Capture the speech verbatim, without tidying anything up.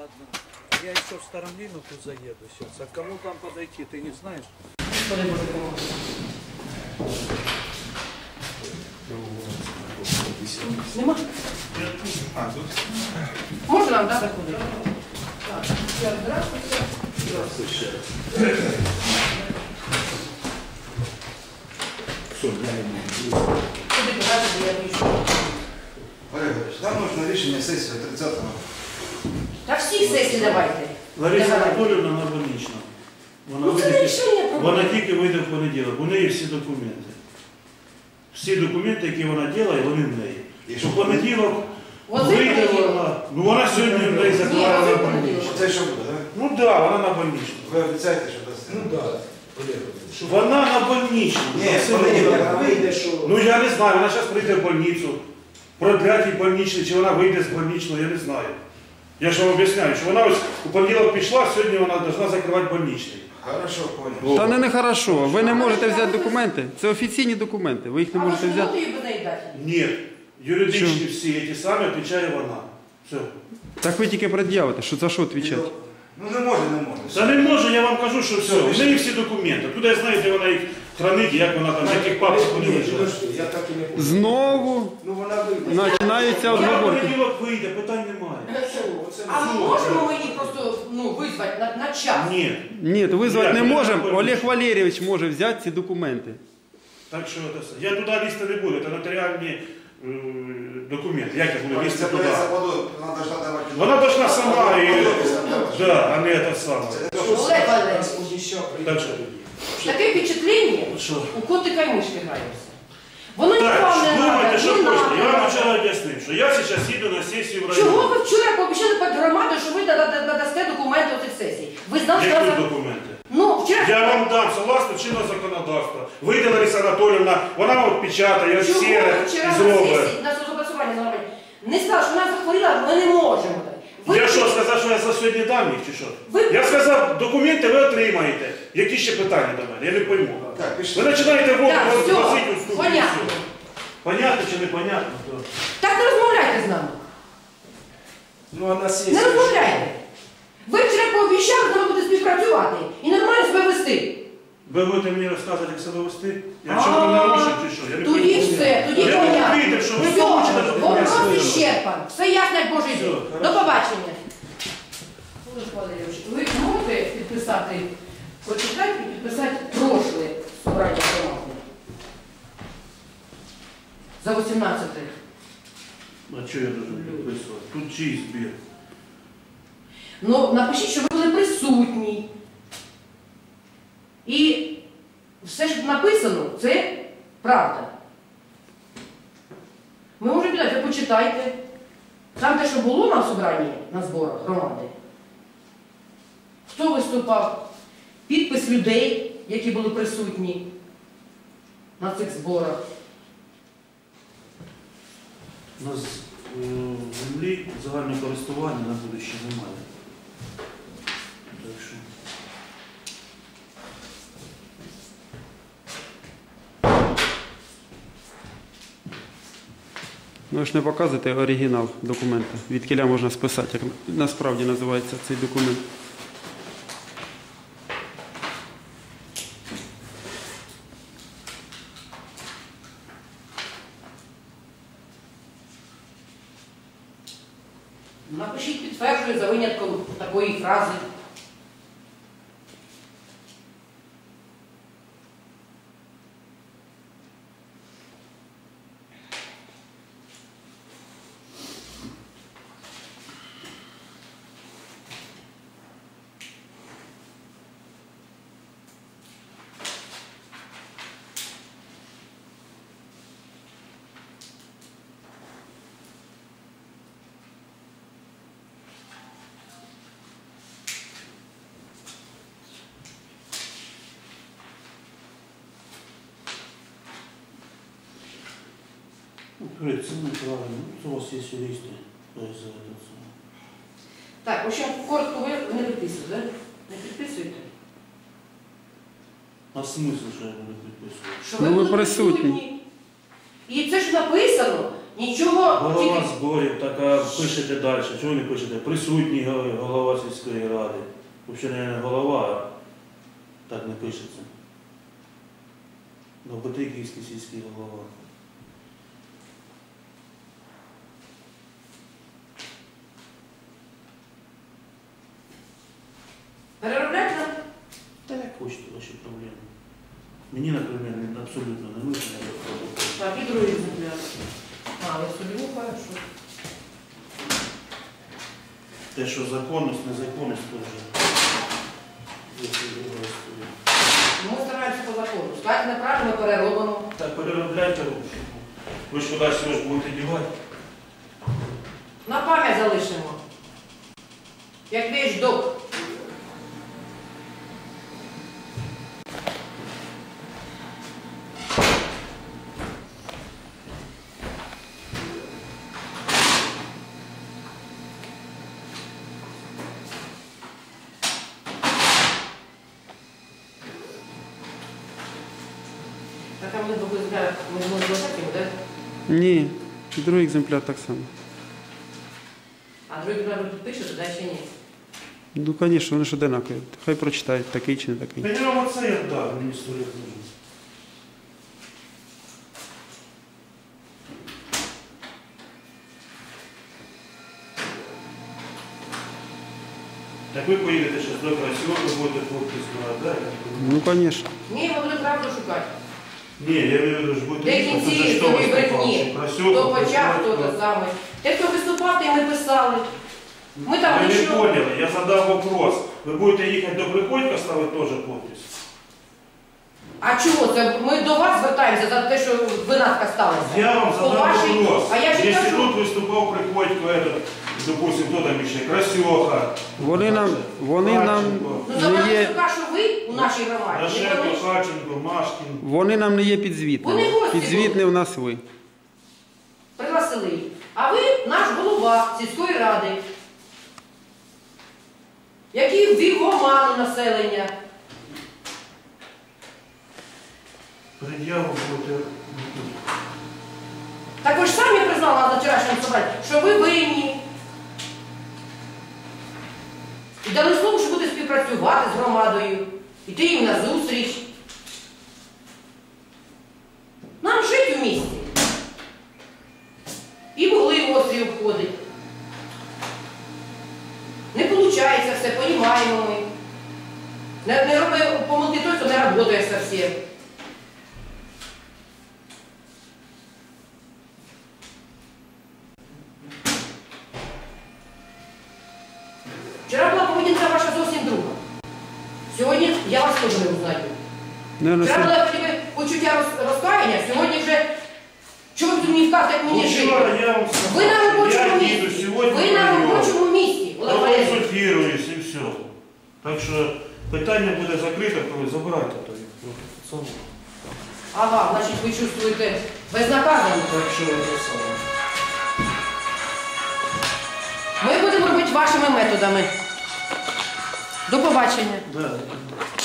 Ладно. Я еще в Старомлину тут заеду сейчас. А к кому там подойти, ты не знаешь? Нема? А, тут? Можно нам, да, заходить? Так, здравствуйте. Здравствуйте. Все, я не могу. Куди покажете, я вийшов. Олег Ігорович, нам нужно рішення сесії тридцятого. Та всі сесії давайте. Лариса Давай. Анатоліївна на больнична. Вона, Ну це не вийде- рішення проблеми. вона тільки вийде в понеділок. У неї всі документи. Всі документи, які вона робить, вони в неї. І У що? понеділок Оце вийде понеділок. вона. Ну вона сьогодні в неї Ні, заклала оце на понеділок. больничну. Оце що буде, так? Ну так, да, вона на больничну. Ви обіцяєте, що дасте? Ну так, Олег. Вона на больничну. Ні, Це в понеділок вона. вона вийде, що... Ну я не знаю, вона зараз прийде в больницю. Продлять їй больничний, чи вона вийде з больничного, я не знаю. Я ж вам об'ясняю, що вона ось у понеділок пішла, сьогодні вона повинна закривати больничний. Хорошо, понял. Та не нехорошо. Ви не можете взяти документи. Це офіційні документи. Ви їх не А ви можете що, взяти. її без неї дати? Ні, юридичні всі ті самі відповідає вона. Все. Так ви тільки пред'явите, що за що відповідати. Ну не може, не може. Та не можу, я вам кажу, що все. У неї всі документи. Туди я знаю, де вона їх хранить, як вона там, в яких папках вони Ні, лежать. подожди, я так і не понял. Знову Ну вона вийде. починаються Вона в обговорки. понеділок вийде, питань немає. А ми можемо ми її просто ну, визвати на, на час? Ні. Ні, визвати Як? не Я можемо. не Олег Валерійович може взяти ці документи. Так що це все. Я туди лізти не буду, це нотаріальні е, документи. Як я буду лізти Це туди? за воду, вона должна давати. Вона должна сама і... і... Да, а не це саме. Олег Валерійович, Так що? таке впечатлення, Що? у котика і мишки граємося. Воно Так, нікому не думайте, треба, що не хочете. Я вам треба. вчора об'яснив, що я зараз їду на сесію в Чого районі. ви вчора пообіцяли під громаду, що ви дада- дадасте документи оцих сесій? Ви знали, що Які вона- документи? Ну, вчора... Я вам дам, согласно чинного законодавства. Вийде Лариса Анатоліївна, вона вам печатає, Чого все ви вчора на зробить. сесії, на соцопрацювання нормально, не сказали, що вона захворіла, ми не можемо. Ви- Я що, сказав, що я за сьогодні дам їх, чи що? Ви- Я сказав, документи ви отримаєте. Які ще питання до мене? Я не пойму. Так, пішли. Ви починаєте воду Так, все, возити у ступу. понятно. Понятно чи не понятно? То... Так не розмовляйте з нами. Ну а на Не сесії... розмовляйте. Ви вчора пообіцяли, що ви будете співпрацювати і нормально себе вести. Ви будете мені розказувати, як себе вести? Я А, чого не нарушив чи що? Я не Тоді пойму. все, тоді Я понятно. не вийде, що ви Все, получите документи. вопрос ісчерпан. Все ясно, як Божий Все, день. хорошо. До побачення. Олег Валерійович, ви можете підписати, прочитати і підписати прошле собрання громади? За вісімнадцяте. А що я должен підписувати? Тут чий збір? Ну, напишіть, що ви були присутні. І все, що написано, це правда. Ми можемо підати, ви почитайте. Там те, що було на собранні, на зборах громади. Хто виступав? Підпис людей, які були присутні на цих зборах. У нас е, землі загального користування на будуще немає. Так що... Ну ви ж не показуєте оригінал документа. Від кіля можна списати, як насправді називається цей документ. Напишіть підтверджую за винятком такої фрази. Говорит, це неправильно. У вас є юристи. За это самое. Так, в общем, коротко ви не підписуєте, да? Не підписуєте? А смисл, що я буду підписувати? Що Ну, ви були присутні. І це ж написано, Нічого, Голова тільки... зборів, так а пишете далі. Чого ви не пишете? Присутній голова сільської ради. Взагалі не голова, а так не пишеться. Новобатиківський сільський голова. Переробляти нам? Та як хочете ваші проблеми. Мені, наприклад, абсолютно не нужно. Так, і другий екземпляр. А, ви собі хорошо. Те, що законність, незаконність теж. Ми стараємося по закону. Сказати неправильно, ми переробимо. Так, переробляйте руки. Ви ж кудись його ж будете дівати. На пам'ять залишимо. Як вещдок. Так, а ми другий екземпляр, ми ж можемо закинути, так? Ні, другий екземпляр так само. А другий екземпляр ви підпишете, да, ще ні? Ну, звісно, вони ж одинакові. Хай прочитають, такий чи не такий. Та я вам оце я дав, мені сто літ нужно. Так ви поїдете зараз до Красіва, ви будете хлопці збирати, так? Ну, звісно. Ні, ми будемо правду шукати. Ні, я вірю, що будете Де їхати, кінці це ж хто цієї виступав, брехні? що Красюк, Хто почав, Красюк, хто хто- те саме. Те, хто виступав, те ми писали. Ми там Ви не нічого. поняли, я задав вопрос. Ви будете їхати до Приходька, ставити теж подпис? А чого це? Ми до вас звертаємося за те, що винатка сталася. Я вам По задав вашій- вопрос. А я ж Якщо кажу, тут виступав Приходько, этот, допустим, хто там ще, Красьоха, Вони нам, вони нам Харченко, ну за не є, Василюка, що ви у нашій громаді, не Рашенко, вони. Харченко, Машкін. вони нам не є Вони підзвітними. гості Підзвітні в нас ви. Пригласили їх. А ви наш голова сільської ради, який ввів в оману населення. Пред'яву будете. Так ви ж самі признали на вчорашньому собранні, що ви винні. І дали слово, що буде співпрацювати з громадою, іти їм на зустріч. Нам жити в місті. І вугли в острів обходить. Не виходить все, понімаємо ми. Не, не роби помилки той, хто не працює зовсім. Вчора була поведінка ваша зовсім друга. Сьогодні я вас теж не узнаю. Наверно, Вчора це- була тільки почуття роз- розкаяння, сьогодні вже чого ви тут мені вказуєте, як мені жити? Вчора я вам сказав, Ви на що робочому я їду місці. сьогодні Ви на в Львів. робочому місці, Олег Валерійович. Проконсультируюсь і все. Так що питання буде закрите, коли забирайте то їх. трохи. Це- Ага, значить ви чувствуєте безнаказаність. Так що це саме. Ми будемо робити вашими методами. До побачення. Да.